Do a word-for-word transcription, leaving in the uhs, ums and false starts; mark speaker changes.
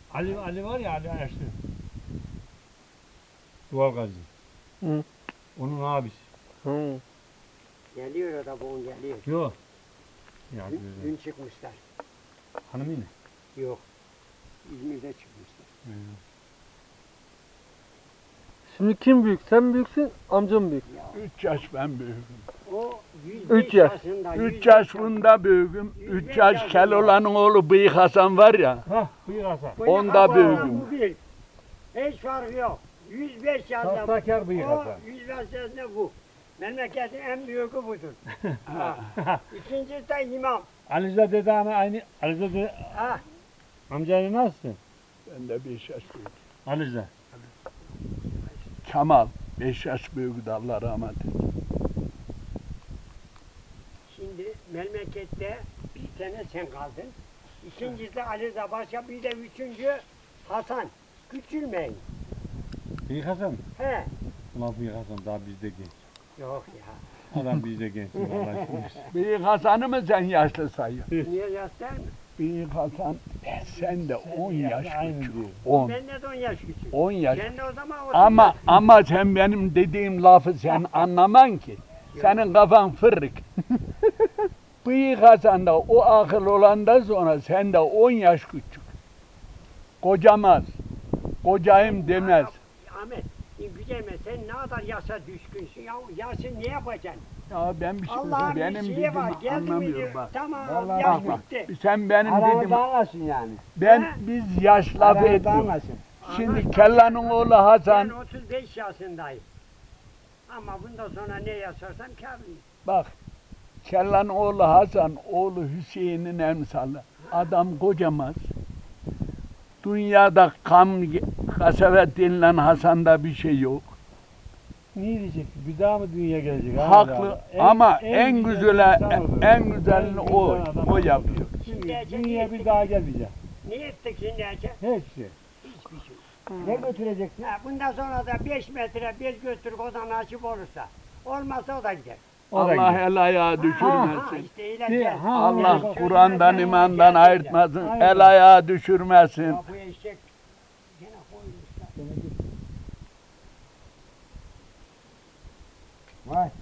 Speaker 1: Ali Ali var ya Ali Ersin. Duvar Gazi.
Speaker 2: Hı.
Speaker 1: Onun abisi.
Speaker 2: Hı.
Speaker 3: Geliyor o da bugün geliyor.
Speaker 1: Yok. Ya
Speaker 3: Dün,
Speaker 1: güzel.
Speaker 3: dün çıkmışlar.
Speaker 1: Hanım yine.
Speaker 3: Yok. İzmir'de çıkmışlar.
Speaker 1: Hı.
Speaker 2: Şimdi kim büyük? Sen mi büyüksün, amcam mı büyük?
Speaker 3: Ya,
Speaker 4: Üç yaş ben büyüğüm.
Speaker 3: o yüz
Speaker 2: Üç
Speaker 3: beş
Speaker 2: yaş.
Speaker 3: yaşında.
Speaker 4: Üç
Speaker 3: yüz
Speaker 4: yaş
Speaker 3: beş
Speaker 4: bunda büyüğüm.
Speaker 3: Yüz
Speaker 4: Üç
Speaker 3: beş
Speaker 4: yaş
Speaker 3: yaşında.
Speaker 4: Keloğlan'ın oğlu Bıyık Hasan var ya.
Speaker 1: Hah buyur Hasan.
Speaker 3: Bu ne
Speaker 4: Onda
Speaker 3: kadar
Speaker 4: büyüğüm.
Speaker 3: bu bir. Hiç farkı yok. yüz beş yaşında.
Speaker 1: Sahtekar bıyık
Speaker 3: O
Speaker 1: Hasan.
Speaker 3: yüz beş yaşında bu. Memleketin en büyüğü budur. Ha. İkincisi de imam.
Speaker 1: Alize dede ana aynı. Alize dede
Speaker 3: Ha.
Speaker 1: amcayla nasılsın?
Speaker 4: Ben de beş yaş büyük.
Speaker 1: Alize.
Speaker 4: Kemal beş yaş büyüktü, Allah rahmet eylesin.
Speaker 3: Şimdi memlekette bir tane sen kaldın. İkincisi Ali Zabaşa, bir de üçüncü Hasan. Küçülmeyin.
Speaker 1: Bıyık Hasan.
Speaker 3: He.
Speaker 1: Ulan bıyık Hasan daha bizde genç.
Speaker 3: Yok ya.
Speaker 1: Adam bizde genç. Allah aşkına.
Speaker 4: Bıyık Hasan'ı mı sen yaşlı sayıyorsun?
Speaker 3: Niye yaşlar mı?
Speaker 4: Bıyık Hasan e, sen de on yaş
Speaker 1: Aynı
Speaker 4: küçük.
Speaker 1: diyor.
Speaker 4: On.
Speaker 3: Benden de on yaş küçük.
Speaker 4: On yaş.
Speaker 3: Sen de o zaman otuz
Speaker 4: Ama
Speaker 3: yaş.
Speaker 4: ama sen benim dediğim lafı sen anlaman ki. Senin kafan fırık. Bıyık Hasan da o akıl olandan sonra sen de on yaş küçük. Kocamaz. Kocayım demez.
Speaker 3: Ahmet, güzelme sen ne kadar yaşa düşkünsün ya. Yaşın ne yapacaksın?
Speaker 4: Ya ben bir şey
Speaker 3: Allah'ın bir
Speaker 4: benim
Speaker 3: şeyi var.
Speaker 4: dediğimi
Speaker 3: Geldi mi
Speaker 4: anlamıyorum
Speaker 3: diyor.
Speaker 4: bak.
Speaker 3: Tamam,
Speaker 1: Vallahi
Speaker 3: yaş
Speaker 4: Bak bak.
Speaker 3: bitti.
Speaker 4: Sen benim dediğimi
Speaker 1: anlasın yani.
Speaker 4: ben
Speaker 3: Ha?
Speaker 4: biz yaş lafı ediyoruz.
Speaker 1: anlasın.
Speaker 4: Şimdi
Speaker 3: Anlaştık.
Speaker 4: Kellan'ın oğlu
Speaker 3: Ben
Speaker 4: Hasan
Speaker 3: otuz beş yaşındayım. Ama bundan sonra ne yaşarsam kârlıyım.
Speaker 4: bak. Kellan'ın oğlu Hasan oğlu Hüseyin'in emsalı. Adam kocamaz. Dünyada kam kasavet denilen Hasan'da bir şey yok.
Speaker 1: Ne diyecek? Bir daha mı dünya gelecek?
Speaker 4: Haklı ama en,
Speaker 1: güzel
Speaker 4: güzele
Speaker 1: insan odur.
Speaker 4: en güzelini
Speaker 1: En
Speaker 4: o
Speaker 1: güzel adam
Speaker 4: o
Speaker 1: odur.
Speaker 4: yapıyor.
Speaker 1: Dünya, dünya bir daha gelmeyecek.
Speaker 3: Ne ettik şimdi Ece?
Speaker 1: Hiçbir şey.
Speaker 3: Hiçbir şey.
Speaker 1: Ne götüreceksin?
Speaker 3: Ha, bundan sonra da beş metre bir götürüp o da nasip olursa. Olmazsa o da gider.
Speaker 1: O da
Speaker 4: Allah
Speaker 1: gider.
Speaker 4: el ayağı
Speaker 3: Ha,
Speaker 4: düşürmesin.
Speaker 3: işte öyle
Speaker 1: Bir-
Speaker 3: gel.
Speaker 1: ha,
Speaker 4: Allah
Speaker 1: evet.
Speaker 4: Kur'an'dan
Speaker 3: Gel,
Speaker 4: imandan
Speaker 3: gel,
Speaker 4: ayırtmasın.
Speaker 1: Aynen.
Speaker 4: El ayağı düşürmesin.
Speaker 3: Ya bu eşek gene koymuşlar.
Speaker 1: Vay.